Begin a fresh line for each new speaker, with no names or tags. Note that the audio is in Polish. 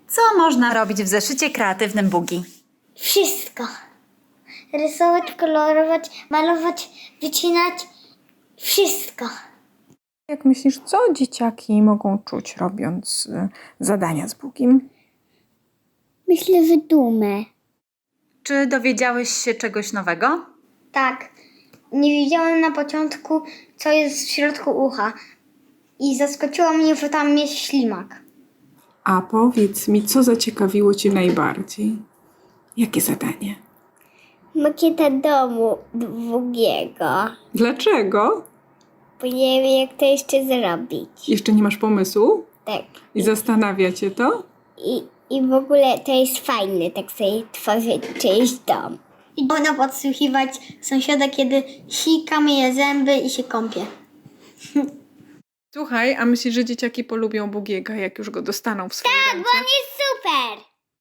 Co można robić w zeszycie kreatywnym Bugi?
Wszystko. Rysować, kolorować, malować, wycinać. Wszystko.
Jak myślisz, co dzieciaki mogą czuć, robiąc zadania z Bugim?
Myślę, że dumę.
Czy dowiedziałeś się czegoś nowego?
Tak. Nie wiedziałem na początku, co jest w środku ucha. I zaskoczyło mnie, że tam jest ślimak.
A powiedz mi, co zaciekawiło Cię najbardziej? Jakie zadanie?
Makieta domu długiego.
Dlaczego?
Bo nie wiem, jak to jeszcze zrobić.
Jeszcze nie masz pomysłu?
Tak.
I zastanawia Cię to?
I w ogóle to jest fajne, tak sobie tworzyć czyjś dom. I można podsłuchiwać sąsiada, kiedy sika, myje zęby i się kąpie.
Słuchaj, a myślisz, że dzieciaki polubią Bugiego, jak już go dostaną w swoje ręce?
On jest super!